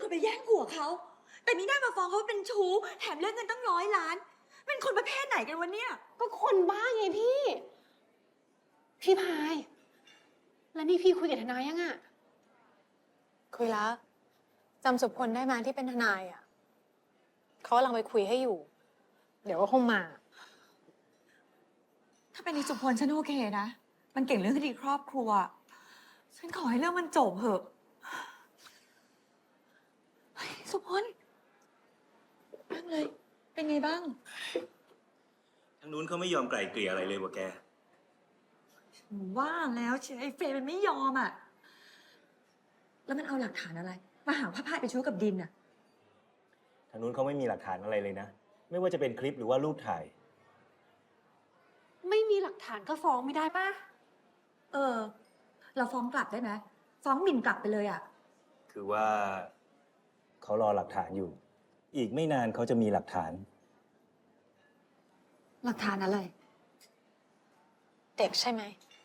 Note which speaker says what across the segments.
Speaker 1: คนไปแย่งผัวเขาแต่มีหน้ามาฟ้องเขาว่าเป็นชู้แถมเรื่องเงินตั้ง100 ล้านเป็นคนประเภทไหนกันวะเนี่ย
Speaker 2: ก็คนบ้าไงพี่ พี่พาย แล้วนี่พี่คุยกับทนายยังอะ
Speaker 3: คุยแล้วจำสุพลได้มาที่เป็นทนายอ่ะเขากำลังไปคุยให้อยู่ เดี๋ยวก็คงมา
Speaker 1: ถ้าเป็นในสุพลฉันโอเคนะมันเก่งเรื่องคดีครอบครัวฉันขอให้เรื่องมันจบเถอะเฮ้ยสุพลนั่งเลยเป็นไงบ้าง
Speaker 4: ทางนู้นเขาไม่ยอมไกล่เกลี่ยอะไรเลยวะแก
Speaker 1: ว่าแล้วเชไอ้เฟย์มันไม่ยอมอ่ะแล้วมันเอาหลักฐานอะไรมาหาพระพายไปชู้กับดินอ่ะ
Speaker 4: ทางนู้นเขาไม่มีหลักฐานอะไรเลยนะไม่ว่าจะเป็นคลิปหรือว่ารูปถ่าย
Speaker 2: ไม่มีหลักฐานก็ฟ้องไม่ได้ป่ะ
Speaker 1: เราฟ้องกลับได้ไหมฟ้องหมิ่นกลับไปเลยอ่ะ
Speaker 4: คือว่าเขารอหลักฐานอยู่อีกไม่นานเขาจะมีหลักฐาน
Speaker 1: หลักฐานอะไร
Speaker 3: เด็กใช่ไหม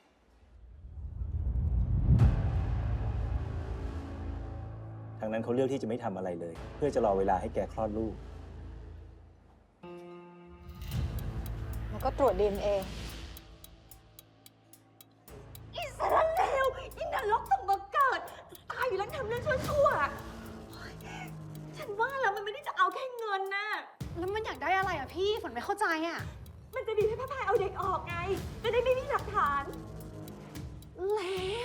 Speaker 4: ทางนั้นเขาเลือกที่จะไม่ทำอะไรเลย เพื่อจะรอเวลาให้แกคลอดลูก
Speaker 3: แล้วก็ตรวจ DNA
Speaker 1: อิสราเอลอินรกส่งมาเกิดตายอยู่แล้วทำเรื่องชั่วๆเฮ้ยฉันว่าแล้วมันไม่ได้จะเอาแค่เงินน่ะ
Speaker 2: แล้วมันอยากได้อะไรอะพี่ฝนไม่เข้าใจอะ
Speaker 1: มันจะดีให้พระพายเอาเด็กออกไงจะได้ไม่มีหลักฐาน
Speaker 2: แล้ว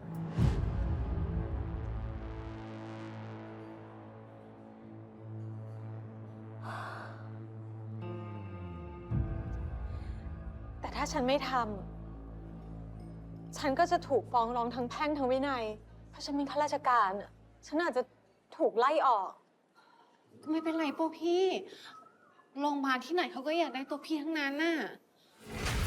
Speaker 3: แต่ถ้าฉันไม่ทำฉันก็จะถูกฟ้องร้องทั้งแพ่งทั้งวินัยเพราะฉันเป็นข้าราชการอะฉันอาจจะถูกไล่ออก
Speaker 2: ก็ไม่เป็นไรพวกพี่โรงพยาบาลที่ไหนเขาก็อยากได้ตัวพี่ทั้งนั้นน่ะ